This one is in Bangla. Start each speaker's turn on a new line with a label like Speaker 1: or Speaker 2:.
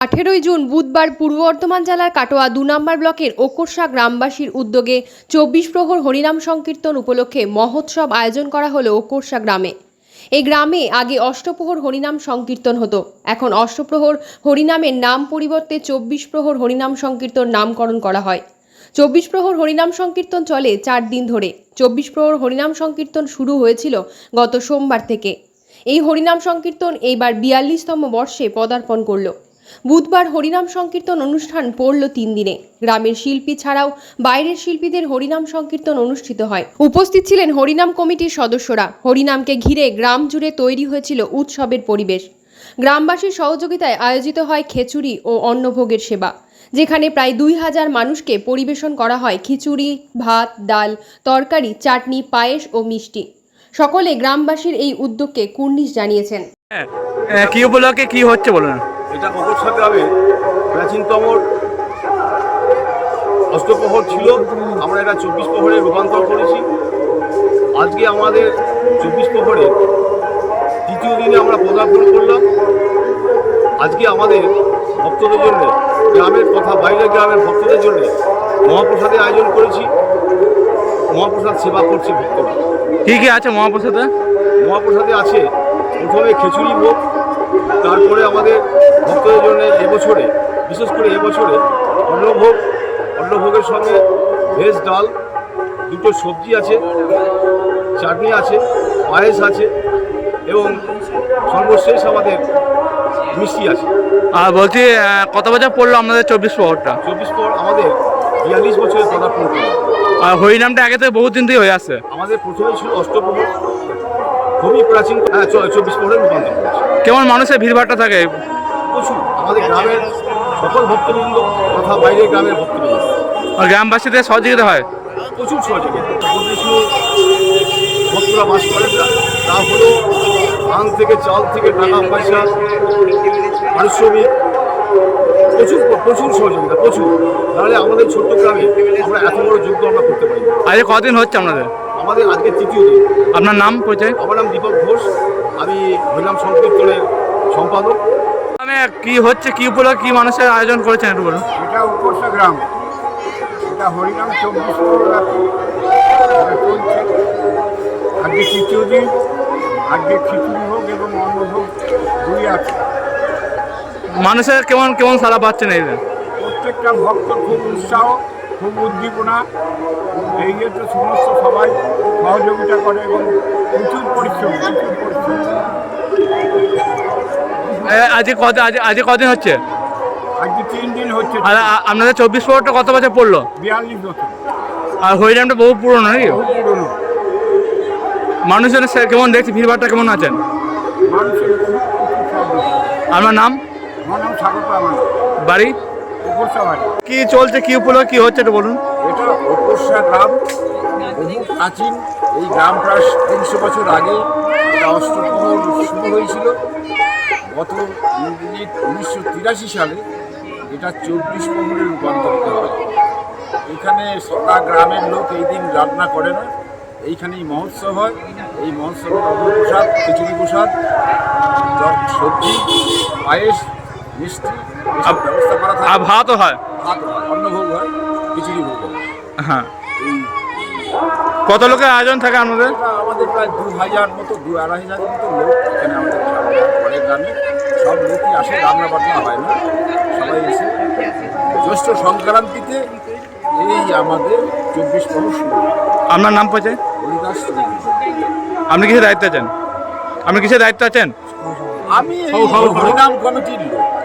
Speaker 1: 18 জুন বুধবার পূর্ব বর্ধমান জেলার কাটোয়া 2 নম্বর ব্লকের ওকরসা গ্রামবাসীর উদ্যোগে 24 প্রহর হরিনাম সংকীর্তন উপলক্ষে মহোৎসব আয়োজন করা হলো ওকরসা গ্রামে। এই গ্রামে আগে অষ্টপ্রহর হরিনাম সংকীর্তন হতো, এখন অষ্টপ্রহর হরিনামের নাম পরিবর্তে 24 প্রহর হরিনাম সংকীর্তন নামকরণ করা হয়। 24 প্রহর হরিনাম সংকীর্তন চলে 4 দিন ধরে। 24 প্রহর হরিনাম সংকীর্তন শুরু হয়েছিল গত সোমবার থেকে। এই হরিনাম সংকীর্তন এইবার 42তম বর্ষে পদার্পণ করলো। বুধবার হরিনাম সংকীর্তন অনুষ্ঠান পড়ল 3 দিনে। গ্রামের শিল্পী ছাড়াও বাইরের শিল্পীদের হরিনাম সংকীর্তন অনুষ্ঠিত হয়। উপস্থিত ছিলেন হরিনাম কমিটির সদস্যরা। হরিনামকে ঘিরে গ্রাম জুড়ে তৈরি হয়েছিল উৎসবের পরিবেশ। গ্রামবাসীর সহযোগিতায় আয়োজিত হয় খিচুড়ি ও অন্নভোগের সেবা, যেখানে প্রায় 2000 মানুষকে পরিবেশন করা হয় খিচুড়ি, ভাত, ডাল, তরকারি, চাটনি, পায়েস ও মিষ্টি। সকলে গ্রামবাসীর এই উদ্যোগকে কুর্নিশ জানিয়েছেন।
Speaker 2: কি উপলক্ষে কি হচ্ছে বলুন?
Speaker 3: এটা ওকরসা গ্রামে প্রাচীনতম অষ্টপ্রহর ছিল, আমরা এটা 24 প্রহরে রূপান্তর করেছি। আজকে আমাদের 24 প্রহরে তৃতীয় দিনে আমরা পদার্পণ করলাম। আজকে আমাদের ভক্তদের জন্য, গ্রামের তথা বাইরের গ্রামের ভক্তদের জন্য মহাপ্রসাদের আয়োজন করেছি। মহাপ্রসাদ সেবা করছে ভক্তরা।
Speaker 2: কি কি আছে মহাপ্রসাদে?
Speaker 3: মহাপ্রসাদে আছে প্রথমে খিচুড়ি ভোগ, তারপরে আমাদের ভক্তদের জন্য এবছরে, বিশেষ করে এবছরে অন্নভোগ, অন্নভোগের সঙ্গে ভেজ ডাল, 2টো সবজি আছে, চাটনি আছে, পায়েস আছে এবং সর্বশেষ আমাদের মিষ্টি আছে।
Speaker 2: আর বলছি কত বছর পড়লো আপনাদের 24 প্রহরটা?
Speaker 3: 24 প্রহর আমাদের 42 বছরে পদার্পণ করল।
Speaker 2: আর হরিনামটা আগে থেকে বহুত দিন থেকে হয়ে আসছে।
Speaker 3: আমাদের প্রথমে ছিল অষ্টপ্রহর, খুবই প্রাচীন। 24 প্রহরে রূপান্তর করেছে।
Speaker 2: কেমন মানুষের ভিড়ভাড়টা থাকে?
Speaker 3: প্রচুর আমাদের গ্রামের সকল ভক্তবৃন্দ তথা বাইরের গ্রামের ভক্তবৃন্দ
Speaker 2: আর গ্রামবাসীদের সহযোগিতা হয়
Speaker 3: প্রচুর সহযোগিতা। কিছু ভক্তরা বাস করেন না, তা হলো ধান থেকে, চাল থেকে, টাকা পয়সা, পারিশ্রমিক, প্রচুর সহযোগিতা, প্রচুর। তাহলে আমাদের ছোট্ট গ্রামে আমরা এত বড় যজ্ঞ আমরা করতে পারি।
Speaker 2: আজকে কদিন হচ্ছে আপনাদের?
Speaker 3: আমাদের আজকে তৃতীয় দিন।
Speaker 2: আপনার নাম পরিচয়?
Speaker 3: আমার নাম দীপক ঘোষ, আমি হরিনাম সংকীর্তনের সম্পাদক।
Speaker 2: কি হচ্ছে, কি উপলক্ষে, কি মানুষের আয়োজন করেছেন একটু বলুন।
Speaker 4: এটা ওকরসা গ্রাম, এটা হরিনাম 24 প্রহর চলছে। আজকে তৃতীয় দিন, আজকে খিচুড়ি ভোগ এবং অন্নভোগ 2 আছে।
Speaker 2: মানুষের কেমন কেমন সাড়া পাচ্ছেন এই দিন?
Speaker 4: প্রত্যেকটা ভক্ত খুব উৎসাহ, খুব উদ্দীপনা। এই যে তো সমস্ত সবাই সহযোগিতা করে এবং প্রচুর পরিশ্রম।
Speaker 2: আজকে কদিন হচ্ছে?
Speaker 4: আজকে 3 দিন হচ্ছে।
Speaker 2: আর আপনাদের 24 প্রহরটা কত বছর পড়লো?
Speaker 4: 42 বছর।
Speaker 2: আর হরিনামটা বহু পুরনো নাকি?
Speaker 4: বহু পুরনো।
Speaker 2: মানুষের কেমন দেখছি, ভিড়ভাড়টা কেমন আছেন?
Speaker 4: মানুষের প্রচুর সহযোগিতা।
Speaker 2: আপনার নাম?
Speaker 4: আমার নাম স্বাগত, আমার
Speaker 2: বাড়ি?
Speaker 4: ওকরসা বাড়ি।
Speaker 2: কি চলছে, কি উপলক্ষে কি হচ্ছে একটু বলুন।
Speaker 5: এটা ওকরসা গ্রাম, বহু প্রাচীন। এই গ্রাম প্রায় 300 বছর আগে এটা অষ্টপ্রহর শুরু হয়েছিল। গত 1983 সালে এটা 24 প্রহরে রূপান্তরিত হয়। এখানে সারা গ্রামের লোক এই দিন রান্না করে না, এইখানেই মহোৎসব হয়। এই মহোৎসবে অন্নপ্রসাদ, খিচুড়ি প্রসাদ, সবজি, পায়েস, মিষ্টি এসব ব্যবস্থা করা থাকে।
Speaker 2: আর ভাতও হয়?
Speaker 5: ভাত হয়, অন্নভোগ হয়, খিচুড়ি ভোগ হয়।
Speaker 2: হ্যাঁ।
Speaker 5: এই
Speaker 2: কত লোকের আয়োজন থাকে আপনাদের?
Speaker 5: আমাদের প্রায় 2000 মতো, 2-2,500 মতো লোক এখানে আমাদের পরে গ্রামে সব লোকই আসে। রান্না বান্না হয় না, সবাই এসে জ্যৈষ্ঠ সংক্রান্তিতে এই আমাদের 24 প্রহর শুরু।
Speaker 2: আপনার নাম পরিচয়?
Speaker 5: হরিদাস।
Speaker 2: আপনি কিসের দায়িত্ব আছেন? আপনি কিসের দায়িত্ব আছেন?
Speaker 5: আমি হরিনাম কমিটির লোক।